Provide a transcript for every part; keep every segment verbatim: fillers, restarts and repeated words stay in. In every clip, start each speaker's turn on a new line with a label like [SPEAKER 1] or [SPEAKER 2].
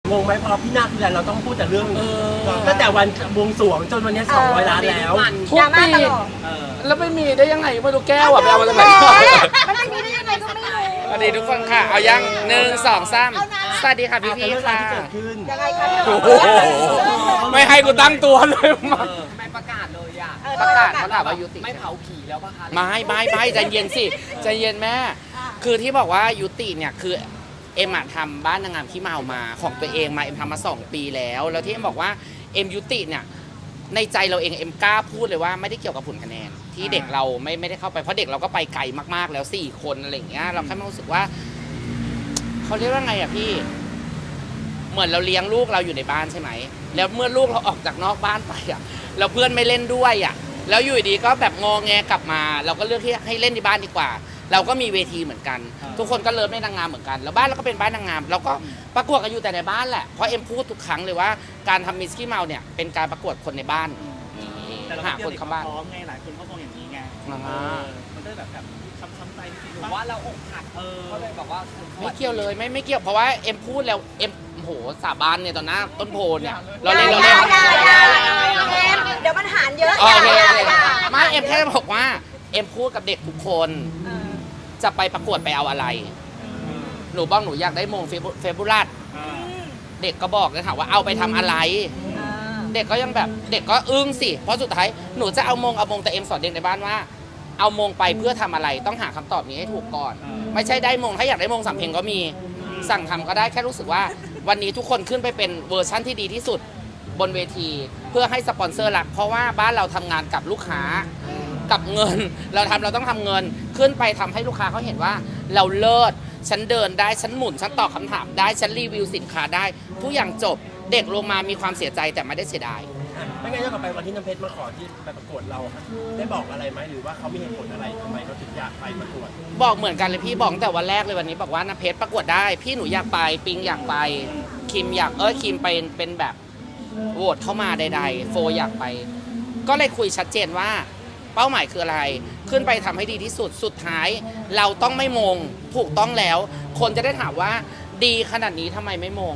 [SPEAKER 1] งงไหมพอพี่นาคทีไรเราต้องพูดแต่เรื่องตั้งแต่วันบวงสรวงจนวันนี้สองร้อยล้านแล้ว
[SPEAKER 2] ทุกปีแล้วไม่มีได้ยังไงไม่รู้แก้วอะไปเอามาจากไหน
[SPEAKER 3] มันไม่มีได้ยังไงก็ไม่รู้
[SPEAKER 2] สวัสดีทุกคนค่ะเอายังหนึ่งสองสามสวัสดีค่ะพี่พี่ค่ะ
[SPEAKER 3] ยังไงคะ
[SPEAKER 2] โอ้โหไม่ให้กูตั้งตัวเลยมา
[SPEAKER 4] ไม่ประกาศเลยอ่ะ
[SPEAKER 2] ประกาศเขาถามว่ายุติ
[SPEAKER 4] ไม่เผาผีแล้วป่ะคะ
[SPEAKER 2] ไม่ไม่ไม่ใจเย็นสิใจเย็นแม่คือที่บอกว่ายุติเนี่ยคือเอ็มทำบ้านนางงามขี้เมามาของตัวเองมาเอ็มทำมาสองปีแล้วแล้วที่เอ็มบอกว่าเอ็มยุติเนี่ยในใจเราเองเอ็มกล้าพูดเลยว่าไม่ได้เกี่ยวกับผลคะแนนที่เด็กเราไม่ไม่ได้เข้าไปเพราะเด็กเราก็ไปไกลมากๆแล้วสี่คนอะไรอย่างเงี้ยเราแค่รู้สึกว่าเขาเรียกว่าไงอ่ะพี่เหมือนเราเลี้ยงลูกเราอยู่ในบ้านใช่ไหมแล้วเมื่อลูกเราออกจากนอกบ้านไปอ่ะแล้วเพื่อนไม่เล่นด้วยอ่ะแล้วอยู่ดีก็แบบงอแงกลับมาเราก็เลือกที่ให้เล่นในบ้านดีกว่าเราก็มีเวทีเหมือนกันทุกคนก็เลิฟในนางงามเหมือนกันแล้วบ้านเราก็เป็นบ้านนางงามเราก็ประกวดกันอยู่แต่ในบ้านแหละเพราะเอ็มพูดทุกครั้งเลยว่าการทำมิสกี้เมาเนี่ยเป็นการประกวดคนในบ้านหาคนเข้าบ้าน
[SPEAKER 5] พร้อมไงหลายคนเขามองอย่างนี้ไงมันได้แบบแบบช้ำๆใจ
[SPEAKER 4] หรือว่าเราอกหักเออก็เลยแบบว่า
[SPEAKER 2] ไม่เกี่ยวเลยไม่ไม่เกี่ยวเพราะว่าเอ็มพูดแล้วเอ็มโหสาบานเนี่ยตอนหน้าต้นโพเนี่ยเราเล่นเราเล่น
[SPEAKER 3] เดี๋ยวมันหารเยอะ
[SPEAKER 2] ไม่เอ็มแค่บอกว่าเอ็มพูดกับเด็กทุกคนจะไปประกวดไปเอาอะไรหนูบ้องหนูอยากได้มงเฟบูรัสเด็กก็บอกเลยค่ะว่าเอาไปทำอะไรเด็กก็ยังแบบเด็กก็อึ้งสิเพราะสุดท้ายหนูจะเอามงเอามงแต่เอ็มสอนเด็กในบ้านว่าเอามงไปเพื่อทำอะไรต้องหาคำตอบนี้ให้ถูกก่อนไม่ใช่ได้มงถ้าอยากได้มงสำเพ็งก็มีสั่งทำก็ได้แค่รู้สึกว่าวันนี้ทุกคนขึ้นไปเป็นเวอร์ชั่นที่ดีที่สุดบนเวทีเพื่อให้สปอนเซอร์รักเพราะว่าบ้านเราทำงานกับลูกค้ากับเงินเราทำเราต้องทำเงินขึ้นไปทำให้ลูกค้าเขาเห็นว่าเราเลิศฉันเดินได้ฉันหมุนฉันตอบคำถามได้ฉันรีวิวสินค้าได้ทุกอย่างจบเด็กลงมามีความเสียใจแต่ไม่ได้เสียดาย
[SPEAKER 1] ไม่งั้นย้อนกลับไปวันที่น้ำเพชรมาขอที่ไปประกวดเราได้บอกอะไรไหมหรือว่าเขามีเหตุผลอะไรทำไมเขาถึงอยากไปประกวด
[SPEAKER 2] บอกเหมือนกันเลยพี่บอกแต่วันแรกเลยวันนี้บอกว่าน้ำเพชรประกวดได้พี่หนูอยากไปปิงอยากไปคิมอยากเออคิมเป็นเป็นแบบโหวตเข้ามาใดๆโฟอยากไปก็เลยคุยชัดเจนว่าเป้าหมายคืออะไรขึ้นไปทำให้ดีที่สุดสุดท้ายเราต้องไม่มงถูกต้องแล้วคนจะได้ถามว่าดีขนาดนี้ทำไมไม่มง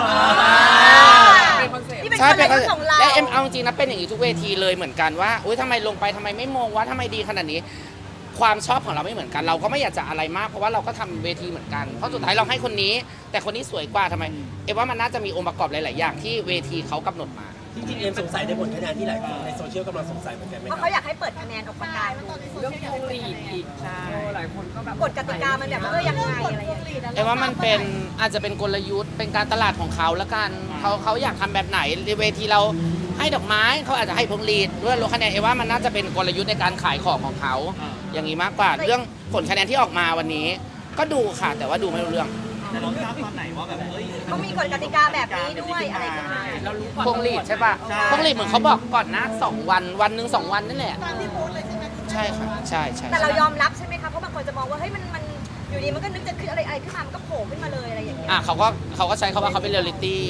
[SPEAKER 2] ใช่เป็นและเอ็มเอาจริงนะเป็นอย่างนี้ทุกเวทีเลยเหมือนกันว่าอุ้ยทำไมลงไปทำไมไม่มงว่าทำไมดีขนาดนี้ความชอบของเราไม่เหมือนกันเราก็ไม่อยากจะอะไรมากเพราะว่าเราก็ทำเวทีเหมือนกันเพราะสุดท้ายเราให้คนนี้แต่คนนี้สวยกว่าทำไมเอ็มว่ามันน่าจะมีองค์ประกอบหลายๆอย่างที่เวทีเขากำหนดมา
[SPEAKER 1] จริงๆเอ็มสงสัยในผลคะแนนที่หลายคนในโซเชียลกำลังสงสัยเหมือนกันไหม
[SPEAKER 3] เพราะเขาอยากให้เปิดคะแนนออกประกาศ
[SPEAKER 4] เรื่องพวงหลีดอีกใช่หลายคนก็แบบ
[SPEAKER 3] กฎกติกามันแบบเออยังไงอะไรอย่างเงี้ย
[SPEAKER 2] เอ็มว่ามันเป็นอาจจะเป็นกลยุทธ์เป็นการตลาดของเขาแล้วกันเขาเขาอยากทำแบบไหนเวทีเราให้ดอกไม้เขาอาจจะให้พวงหลีดด้วยลดคะแนนเอ็มว่ามันน่าจะเป็นกลยุทธ์ในการขายของของเขาอย่างนี้มากกว่าเรื่องผลคะแนนที่ออกมาวันนี้ก็ดูค่ะแต่ว่าดูไม่รู้เรื่อง
[SPEAKER 5] แต่เราทราบตอนไหนว่าแบบเฮ้ย
[SPEAKER 3] เขามีกฎกติกาแบบนี้ด้วยอะไรกันมา
[SPEAKER 4] เรารู้ก่อน
[SPEAKER 2] พวงหลีดใช่ปะพวงหลีดเหมือนเขาบอกก่อนนะสองวันวันหนึ่งสองวันนั่นแหละใช่ค่ะใช่ใช่
[SPEAKER 3] แต่เรายอมรับใช่ไหมคะเพราะบางคนจะมองว่าเฮ้ยมันมันอยู่ดีมันก็นึกจะขึ้นอะไรอะไรขึ้นมามันก็โผล่ขึ้นมาเลยอะไรอย่างเงี้ย
[SPEAKER 2] อ่ะเขาก็เขาก็ใช้คำว่าเขาเป็นเรียลลิตี้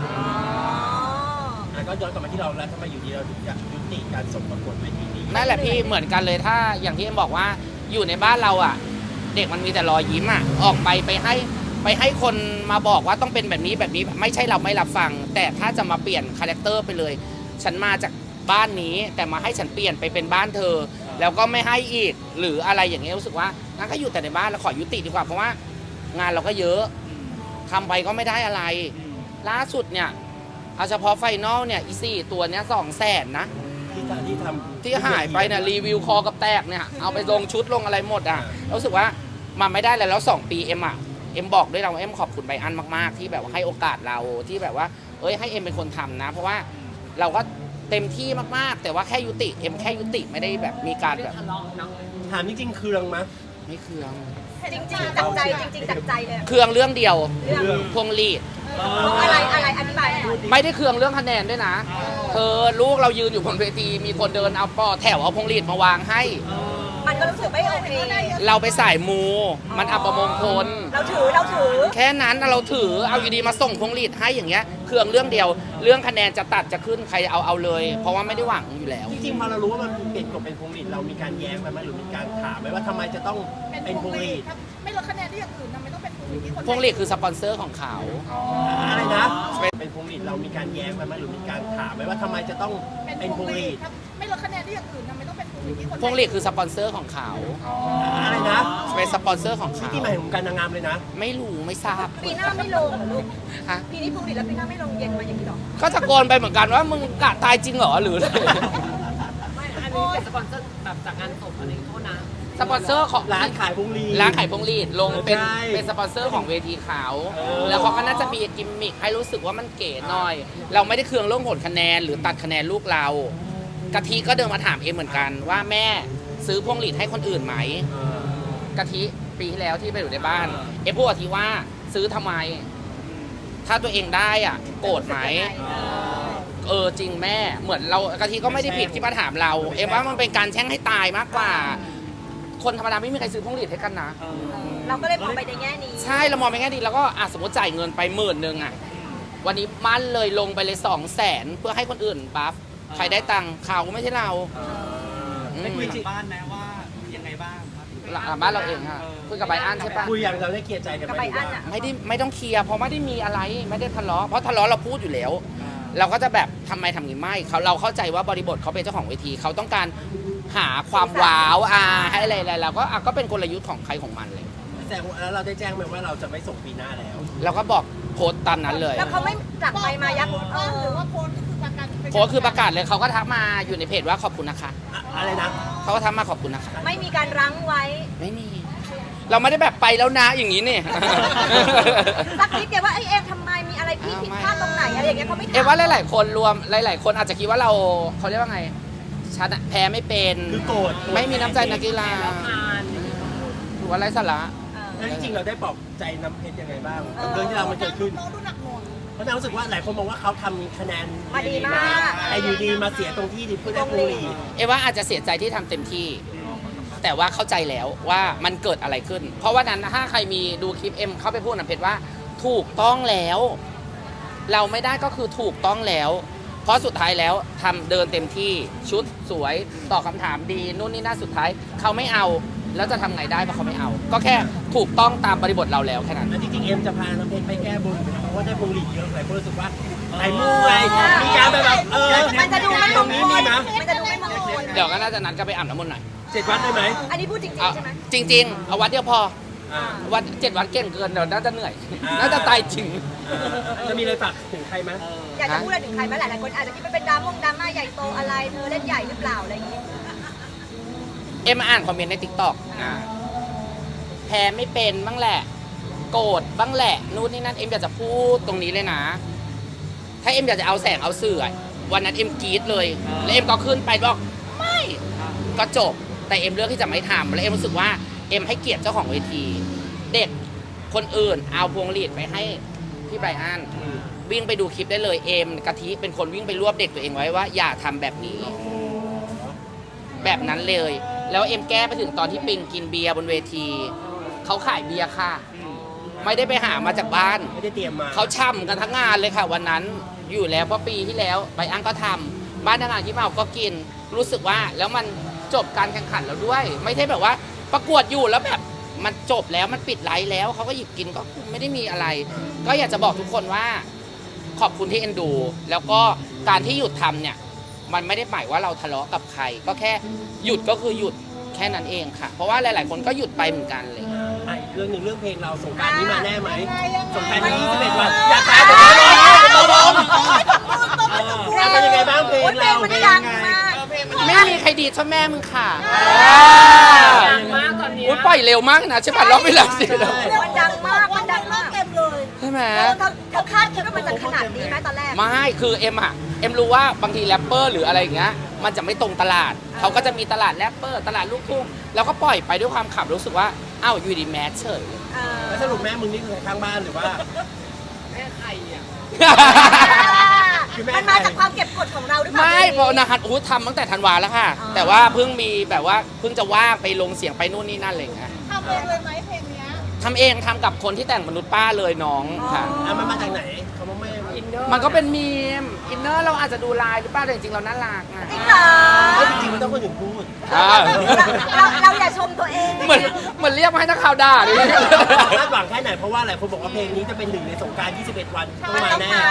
[SPEAKER 1] ก็ย้อนกลับมาที่เราแล้วทำไมอยู่ดีเราถึงอยากยุติการส่งประกวดเวทีนี้
[SPEAKER 2] นั่นแหละพี่เหมือนกันเลยถ้าอย่างที่เอ็มบอกว่าอยู่ในบ้านเราอ่ะเด็กมันมีแต่รอยยิ้มอ่ะออกไปไปให้ไปให้คนมาบอกว่าต้องเป็นแบบนี้แบบนี้ไม่ใช่เราไม่รับฟังแต่ถ้าจะมาเปลี่ยนคาแรคเตอร์ไปเลยฉันมาจากบ้านนี้แต่มาให้ฉันเปลี่ยนไปเป็นบ้านเธอแล้วก็ไม่ให้อีกหรืออะไรอย่างเงี้ยรู้สึกว่างั้นก็อยู่แต่ในบ้านแล้วขอยุติดีกว่าเพราะว่างานเราก็เยอะทำไปก็ไม่ได้อะไรล่าสุดเนี่ยเอาเฉพาะไฟนอลเนี่ยอีสี่ตัวเนี้ยสองแสนนะ
[SPEAKER 1] ที่ที่ทำ
[SPEAKER 2] ที่หายไปเนี่ยรีวิวคอกับแตกเนี่ยเอาไปลงชุดลงอะไรหมดอ่ะรู้สึกว่ามันไม่ได้เลยแล้วสองปีเอ็มอ่ะเอ็มบอกด้วยเราเอ็มขอบคุณไบอันมากๆที่แบบว่าให้โอกาสเราที่แบบว่าเอ้ยให้เอ็มเป็นคนทำนะเพราะว่าเราก็เต็มที่มากๆแต่ว่าแค่ยุติเอ็มแค่ยุติไม่ได้แบบมีการแบบ
[SPEAKER 1] ถามจริงๆเคืองมั้ย
[SPEAKER 2] ไม่เคือง
[SPEAKER 3] จริงๆจากใจจริงๆจากใจเลย
[SPEAKER 2] เคืองเรื่องเดียวพวงหลีด
[SPEAKER 3] อะไรอะไรอธิบาย
[SPEAKER 2] ไม่ได้เคืองเรื่องคะแนนด้วยนะเธอลูกเรายืนอยู่บนเวทีมีคนเดินเอาปอแถวเอาพวงหลีดมาวางให้
[SPEAKER 3] มันก็รู้สึกไม่โอเค
[SPEAKER 2] เราไปสายมูมันอัปมงคล
[SPEAKER 3] เราถือเราถือ
[SPEAKER 2] แค่นั้นเราถือเอาอยู่ดีมาส่งพวงหลีดให้อย่างเงี้ยเครื่องเรื่องเดียวเรื่องคะแนนจะตัดจะขึ้นใครเอาเอาเลยเพราะว่าไม่ได้หวังอยู่แล้ว
[SPEAKER 1] จริงๆพอเรารู้ว่ามันเปลี่ยนกฎเป็นพวงหลีดเรามีการแย้งไปไหมหรือมีการถามไหมว่าทำไมจะต้องเป็นพวงหลีด
[SPEAKER 3] ไม่ลดคะแนนที่อย่างอื่นทำไมต้องเป็นพวงหลีด
[SPEAKER 2] พวงหลีดคือสปอนเซอร์ของเขา
[SPEAKER 1] อะไรนะ
[SPEAKER 2] ไป
[SPEAKER 1] ลีดเรามีการแย้งไปไหมหรือมีการถามไหมว่าทำไมจะต้องเป็นพวงหลีด
[SPEAKER 6] ไม่ลดคะแนนที่อย่างอื่นทำไมต้องเป็นพวงหลีดที่คน
[SPEAKER 2] พวงหลีดคือสปอนเซอร์ของเขา
[SPEAKER 1] อะไรนะ
[SPEAKER 2] เป็นสปอนเซอร์ของ
[SPEAKER 1] ที่
[SPEAKER 2] เขา
[SPEAKER 1] ที่หมายถึงการนางงามเลยนะ
[SPEAKER 2] ไม่รู้ไม่ทราบ
[SPEAKER 3] ปีหน้าไม่ลงเหรอลูก
[SPEAKER 2] ฮะ
[SPEAKER 3] ปีนี้พวงหลีดแล้วปีหน้าไม่ลงเย็นมาอย่างนี้หรอ
[SPEAKER 2] ก็ตะโกนไปเหมือนกันว่ามึงกะตายจริงเหรอหรืออะไร
[SPEAKER 4] ไม่อันนี้เป็นสปอนเซอร์แบบจากงานศพอะไรโทษนะ
[SPEAKER 2] สปอนเซอร์ของ
[SPEAKER 1] ร้านขายพวงหลีด
[SPEAKER 2] ร้านขายพวงหลีดลงเป็น
[SPEAKER 1] ใช่
[SPEAKER 2] เป็นสปอนเซอร์ของเวทีเขา
[SPEAKER 1] เออ
[SPEAKER 2] แล้วเขาก็น่าจะมีกิมมิคให้รู้สึกว่ามันเก๋หน่อย เราไม่ได้เคืองเรื่องผลคะแนนหรือตัดคะแนนลูกเรากะทิก็เดินมาถามเอ็มเหมือนกันว่าแม่ซื้อพวงหลีดให้คนอื่นไหม
[SPEAKER 1] เออก
[SPEAKER 2] ะทิปีที่แล้วที่ไปอยู่ในบ้าน เอ็มพูดกะทิว่าซื้อทำไม ถ้าตัวเองได้อ่ะโกรธไหม เออจริงแม่เหมือนเรากะทิก็ไม่ได้ผิดที่มาถามเรา เอ็มว่ามันเป็นการแช่งให้ตายมากกว่า คนธรรมดาไม่มีใครซื้อพวงหลีดให้กันนะ
[SPEAKER 3] เราก็เลยมองไปในแง่นี้
[SPEAKER 2] ใช่เรามองไปแง่ดีแล้วก็อ่ะสมมติจ่ายเงินไปหมื่นหนึ่งอ่ะวันนี้มั่นเลยลงไปเลยสองแสนเพื่อให้คนอื่นบัฟใครได้ตังค์เขาไม่ใช่เราอืม
[SPEAKER 5] ได้คุยกับบ้านไหมว่ายังไงบ้างครับ
[SPEAKER 2] หลังบ้านเราเองค่ะคุยกับใบอันใช่ปะ
[SPEAKER 1] คุยอย่างเราได้เคลียร์ใจกันไหม
[SPEAKER 3] กับใบอั้นอะ
[SPEAKER 2] ไม่ได้ไม่ต้องเคลียร์เพราะไม่ได้มีอะไรไม่ได้ทะเลาะเพราะทะเลาะเราพูดอยู่แล้ว เราก็จะแบบทำไมทำงี้ไม่เขาเราเข้าใจว่าบริบทเขาเป็นเจ้าของเวทีเขาต้องการหาความว้าวอ่าให้อะไรอะไรเราก็อ่ะก็เป็นกลยุทธ์ของใครของมันเลย
[SPEAKER 1] แต่แล้วเราได้แจ้งไหมว่าเราจะไม่ส่งปีหน้าแล้ว
[SPEAKER 2] เราก็บอกโพสต์ตามนั้นเลย
[SPEAKER 3] แล้วเขาไม่จับไปมายักเอ
[SPEAKER 6] หรือ
[SPEAKER 3] อ
[SPEAKER 6] ว่าโพสต์ก็คือประกัน
[SPEAKER 2] โพสต์คือประกาศเลยเขาก็ทักมาอยู่ในเพจว่าขอบคุณนะคะ
[SPEAKER 1] อะอะไรนะ
[SPEAKER 2] เขาก็ทักมาขอบคุณนะคะ
[SPEAKER 3] ไม่มีการรั้งไว้
[SPEAKER 2] ไม่มี เราไม่ได้แบบไปแล้วนะอย่างนี้เนี่ย
[SPEAKER 3] สักนิดเดียวว่าไอ้เอ็มทำไมมีอะไรพี่ผิดพลาดตรงไหนอะไรอย่างเงี้ยเขาไม่ถาม
[SPEAKER 2] เอ็มว่าหลาย ๆ คนรวมหลาย ๆ คนอาจจะคิดว่าเราเขาเรียกว่าไงชนะแพ้ไม่เป็น
[SPEAKER 1] คือโกรธ
[SPEAKER 2] ไม่มีน้ำใจนักกีฬา
[SPEAKER 4] แล้วผ่าน
[SPEAKER 2] หรือว่าไร้สาระ
[SPEAKER 3] เออ
[SPEAKER 1] แล้วจริงๆเราได้ปลอบใจน้ำเพชรยังไงบ้างกับเรื่องที่เรามันเกิดขึ้น
[SPEAKER 6] น้องดูหนักหน่วง
[SPEAKER 1] เพราะนางรู้สึกว่าหลายคนมองว่าเขาทำคะแนน
[SPEAKER 3] มาดีมาก
[SPEAKER 1] แต่อยู่ดีมาเสียตรงที่ดิเพื่อได้พวงหลีด
[SPEAKER 2] เอ็มว่าอาจจะเสียใจที่ทำเต็มที่ แต่ว่าเข้าใจแล้วว่ามันเกิดอะไรขึ้น เพราะว่านั้นถ้าใครมีดูคลิปเอ็มเข้าไปพูดนะเพชรว่าถูกต้องแล้ว เราไม่ได้ก็คือถูกต้องแล้ว เพราะสุดท้ายแล้วทำเดินเต็มที่ชุดสวยตอบคำถามดีนู่นนี่นั่นสุดท้ายเขาไม่เอาแล้วจะทำไงได้เพราะเขาไม่เอา ก็แค่ถูกต้องตามบริบทเราแล้วแค่นั้น
[SPEAKER 1] แล้วจริงๆเอ็มจะพาน้ำเพชรไปแก้บนเพราะว่าได้พวงหลีดเยอะหลายคนรู้สึกว่าไอ้มูไงมีการแบบแบบเออ
[SPEAKER 3] มันจะดูไม่ม
[SPEAKER 1] ตรง ง
[SPEAKER 3] ค
[SPEAKER 1] นี้
[SPEAKER 3] ล
[SPEAKER 1] มีนะ
[SPEAKER 3] มันจะดูไม่มงคล
[SPEAKER 2] เดี๋ยวก็น่าจะนัดกันไปอาบน้ำมนต์หน่อย
[SPEAKER 1] เจ็ดวัดได้ไหม
[SPEAKER 3] อันนี้พูดจริง
[SPEAKER 2] เอา
[SPEAKER 3] ๆใช่ไหม
[SPEAKER 2] จริง ๆ เอาวัดเดียวพอ
[SPEAKER 1] อ่า
[SPEAKER 2] วัดเจ็ดวัดเก่งเกินเดี๋ยวน่าจะเหนื่อย
[SPEAKER 1] อ่า
[SPEAKER 2] น่าจะตายจริง
[SPEAKER 1] จะมีอะไรฝากถึงใครไหม
[SPEAKER 3] อยากจะพูดอะไรถึงใครไหมหลายๆคนอาจจะคิดว่าเป็นดราม่งดราม่าใหญ่โตอะไรเธอเล่นใหญ่หรือเปล่าอะไรอย่างงี้
[SPEAKER 2] เอ็มมาอ่านคอมเมนต์ในทิกตอกแพ้ไม่เป็นบ้างแหละ โกรธบ้างแหละนู่นนี่นั่นเอ็มอยากจะพูดตรงนี้เลยนะ ถ้าเอ็มอยากจะเอาแสงเอาเสื่อวันนั้นเอ็มกรี๊ดเลย แล้วเอ็มก็ขึ้นไปบอกไม่ก็จบ แต่เอ็มเลือกที่จะไม่ทำแล้วเอ็มรู้สึกว่าเอ็มให้เกียรติเจ้าของเวที เด็กคนอื่นเอาพวงหลีดไปให้พี่ไบรอันวิ่งไปดูคลิปได้เลยเอ็มกะทิเป็นคนวิ่งไปรวบเด็กตัวเองไว้ว่าอย่าทำแบบนี้ แบบนั้นเลย แล้วเอ็มแก้ไปถึงตอนที่ปิงกินเบียร์บนเวที เขาขายเบียร์ค่ะ ไม่ได้ไปหามาจากบ้าน
[SPEAKER 1] ไม่ได้เตรียมมา
[SPEAKER 2] เขาช่ำกันทั้งงานเลยค่ะ วันนั้นอยู่แล้วเพราะปีที่แล้วใบอังก็ทำบ้านทางงานที่เมาก็กิน รู้สึกว่าแล้วมันจบการแข่งขันแล้วด้วย ไม่ใช่แบบว่าประกวดอยู่แล้วแบบมันจบแล้วมันปิดไลฟ์แล้วเขาก็หยิบกินก็ไม่ได้มีอะไร ก็อยากจะบอกทุกคนว่า ขอบคุณที่เอ็นดู แล้วก็การที่หยุดทำเนี่ย มันไม่ได้หมายว่าเราทะเลาะกับใคร ก็แค่หยุดก็คือหยุดแค่นั้นเองค่ะ เพราะว่าหลาย ๆ คนก็หยุดไปเหมือนกันเลย
[SPEAKER 1] อ่ะอีกเรื่องหนึ่งเรื่องเพลงเราสงกรารนี้มาแน่ไหมสงกรารนี้ยี่สิบเอ็ดวันอยากขายแต่ไม่ได้ตัวบอมเป็นยังไงบ้างเพลง
[SPEAKER 3] โอ้ยเพล
[SPEAKER 1] เรา
[SPEAKER 3] งมันดังมาก
[SPEAKER 2] ไม่มีใครดีเท่าแม่มึงค่ะ
[SPEAKER 4] ดังมากตอนเนี้ย
[SPEAKER 2] อุ้ยปล่อยเร็วมากนะใช่ป่ะรอบเวลาสิ
[SPEAKER 3] มันดังมากมันดังมากเต็มเลย
[SPEAKER 2] ใช่ไหม
[SPEAKER 3] เออเธอเธอคาดคิดว่ามันจะขนาดนี้ไหมตอนแรก
[SPEAKER 2] ไม่คือเอ็มอะเอ็มรู้ว่าบางทีแรปเปอร์หรืออะไรอย่างเงี้ยมันจะไม่ตรงตลาด เขาก็จะมีตลาดแรปเปอร์ตลาดลูกทุ่งแล้วก็ปล่อยไปด้วยความขับรู้สึกว่าอ้าวอยู่ดีแมสเฉย
[SPEAKER 3] เออ
[SPEAKER 1] แล้วสรุปแม่มึงนี่คือข้างบ้านหรือว่า
[SPEAKER 4] แม่ใครอ่ะ
[SPEAKER 1] คือแม่
[SPEAKER 3] มันมาจากความเก็บกดของเราหรือเปล่า
[SPEAKER 2] ไม่เพราะนะครับอู้ทำตั้งแต่ธันวาแล้วค่ะ
[SPEAKER 3] อ๋อ
[SPEAKER 2] แต่ว่าเพิ่งมีแบบว่าเพิ่งจะว่างไปลงเสียงไปนู่นนี่นั่นอะไรอย่างเงี้ย
[SPEAKER 6] ทำเองเลยไหมเพลงเนี้ย
[SPEAKER 2] ทำเองทำกับคนที่แต่งมนุษย์ป้าเลยน้องค่ะ
[SPEAKER 1] อ่ะมันมาจากไหนเขาบอกแม่
[SPEAKER 4] อินเนอร์
[SPEAKER 2] มันก็เป็นมีมอินเนอร์เราอาจจะดูลายหรือเปล่าแต่จริงๆเราน่ารักอะ
[SPEAKER 3] จริงเหรอ
[SPEAKER 1] เฮ้ยจริงๆมันต้องคนอื่นพูด
[SPEAKER 2] อ่า
[SPEAKER 3] เราเราอย่าชมตัวเอง
[SPEAKER 2] เหมือนเหมือนเรียกมาให้นักข่าวด่าดิ
[SPEAKER 1] คาดหวังแค่ไหนเพราะว่าหลายคนบอกว่าเพลงนี้จะเป็นหนึ่งในสงกรารยี่สิบเอ็ดวันต้อง
[SPEAKER 3] มัน
[SPEAKER 1] มา
[SPEAKER 3] ต้อง
[SPEAKER 1] แน่
[SPEAKER 3] มาแล้วล่ะ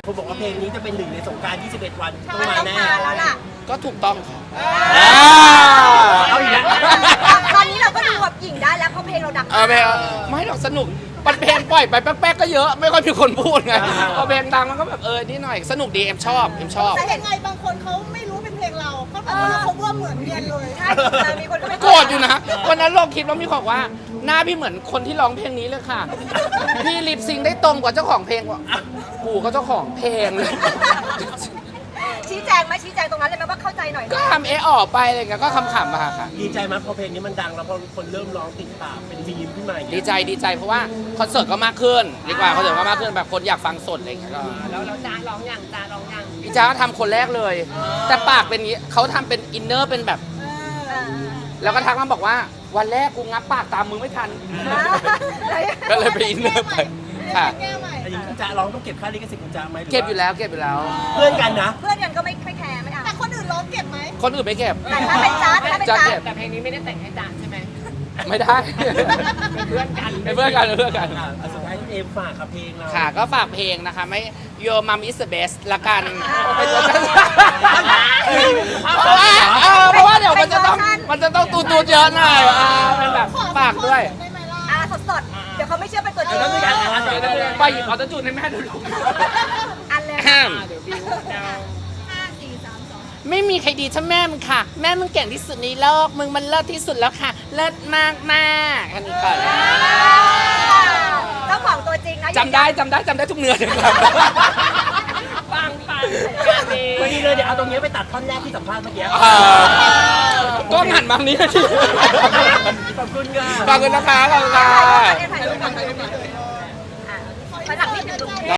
[SPEAKER 1] เขาบอกว่าเพลงนี้จะเป็นหนึ่งในสงกรานต์ยี่สิบเอ็ดวันต้อง
[SPEAKER 3] มัน
[SPEAKER 1] มา
[SPEAKER 3] ต้อง
[SPEAKER 1] แน่
[SPEAKER 3] มาแล้วล่ะ
[SPEAKER 2] ก็ถูกต้องค่ะ
[SPEAKER 1] เอาอีกแล้ว
[SPEAKER 3] ตอนนี้เราก็ดูแบบหญิงได้แล้วเพราะเพลงเราดัง
[SPEAKER 2] เออเพลงไม่หรอกสนุกมันเพลงปล่อยไปแป๊กๆก็เยอะไม่ค่อยมีคนพูดไงพอเพลงดังมันก็แบบเออนี่หน่อยสนุกดีเอ็มชอบเอ็มชอบ
[SPEAKER 6] แต่ยังไงบางคนเขาไม่รู้เป็นเพลงเราเขาบอกว่าเราเขาว่าเหมือนเรียนเลย
[SPEAKER 3] ใช่มีคนก็ไม่
[SPEAKER 2] โกรธอยู่นะวันนั้นลงคลิปแล้วมีบอกว่าหน้าพี่เหมือนคนที่ร้องเพลงนี้เลยค่ะ พี่ลิปซิงค์ได้ตรงกว่าเจ้าของเพลงว่ะกูก็เจ้าของเพลงเลย
[SPEAKER 3] ชี้แจงไหมชี้แจงตรงนั้นเลยไหมว่าเข้าใจหน่อย
[SPEAKER 2] ก็ทำเอออกไปอะไรเงี้ยก็ขำๆมาค่ะ
[SPEAKER 1] ดีใจไหมพอเพลงนี้มันดังแล้วพอคนเริ่มร้องติดปากเป็นมีมขึ้นมาอย่าง
[SPEAKER 2] ดี
[SPEAKER 1] เงี้ย
[SPEAKER 2] ใจดีใจเพราะว่าคอนเสิร์ตก็มากขึ้นดีกว่าคอนเสิร์ตก็มากขึ้นแบบคนอยากฟังสดอะไรเงี้ยก็
[SPEAKER 4] แล้วแล้วจ้าร้องอย่างจ้าร้องอย่าง
[SPEAKER 2] พี่จ้าก็ทำคนแรกเลย แต่ปากเป็นอย่างงี้เขาทำเป็นอินเนอร์เป็นแบบ แล้วก็ทักมาบอกว่าวันแรกกูงับปากตามมึงไม่ทัน ก็เลยไปอินเนอร์ไปค่ะ
[SPEAKER 6] แก้ใหม่
[SPEAKER 1] อันนี้คุณจะร้องต้องเก็บค่าลิขสิทธิ์คุณจะไหมหรืว่า
[SPEAKER 2] เก็บอยู่แล้วเก็บอยู่แล้ว
[SPEAKER 1] เพื่อนกันนะ
[SPEAKER 3] เพื่อนกันก็ไม่ไม่แคร์ไม่เอา
[SPEAKER 6] แต่คนอื่นร้องเก็บไหม
[SPEAKER 2] คนอื่นไม่เก็บ
[SPEAKER 3] แต่ถ้าเป็นจ้าถ้าเป็น
[SPEAKER 2] จ๊ะ
[SPEAKER 3] จ้า
[SPEAKER 2] เก็บ
[SPEAKER 4] แต่เพลงนี้ไม่ได้แต่งให้จ้าใช่ไหม
[SPEAKER 2] ไม่ได้
[SPEAKER 4] เป็นเพื่อนกัน
[SPEAKER 2] เป็นเพื่อนกันเป็นเพื่อนกัน
[SPEAKER 1] อ่ะอ่ะสุดท้ายเอมฝากกับเพลงเรา
[SPEAKER 2] ค่ะก็ฝากเพลงนะคะไม่ Your Mom is the best ละกันเป็นเวอร์ชันเพราะว่าเออเพราะว่าเดี๋ยวมันจะต้องมันจะต้องตูตูดเยอะหน่อยอ่าเป็นแบบฝากด้วย
[SPEAKER 6] ได้ไหมล่ะ
[SPEAKER 3] อ่าสดๆ เดี๋ยวเขาไม่เชื่อเป็นตัวจริง
[SPEAKER 1] แล้วมีการอ่าน
[SPEAKER 2] เดี๋ยวเดี๋ยวเดี๋ยวไปหยิบเอาตะจูนให้แม่ดูลูก
[SPEAKER 3] อันเลย
[SPEAKER 2] แอม
[SPEAKER 4] เดี๋ยวบิวเดา
[SPEAKER 6] ห้าสี่สามสอง
[SPEAKER 2] ไม่มีใครดีเท่าแม่มึงค่ะ แม่มึงเก่งที่สุดในโลกมึงมันเลิศที่สุดแล้วค่ะ เลิศมากมากๆอันนี้ก่อน
[SPEAKER 3] เจ้าของตัวจริงนะ
[SPEAKER 2] จำได้จำได้จำได้ทุกเนื้อเลยครับ
[SPEAKER 4] ปังปังการดี
[SPEAKER 1] พอดีเลยเดี๋ยวเอาตรงนี้ไปตัดท่อนแรกที่สัมภาษณ์เมื่อกี้
[SPEAKER 2] เออก็หันมาทางนี้ที
[SPEAKER 1] ขอบคุณค่ะ
[SPEAKER 2] ขอบคุณนะคะขอบคุณค่ะ
[SPEAKER 3] ถ่ายรูปก่อนถ่ายรูปก่อน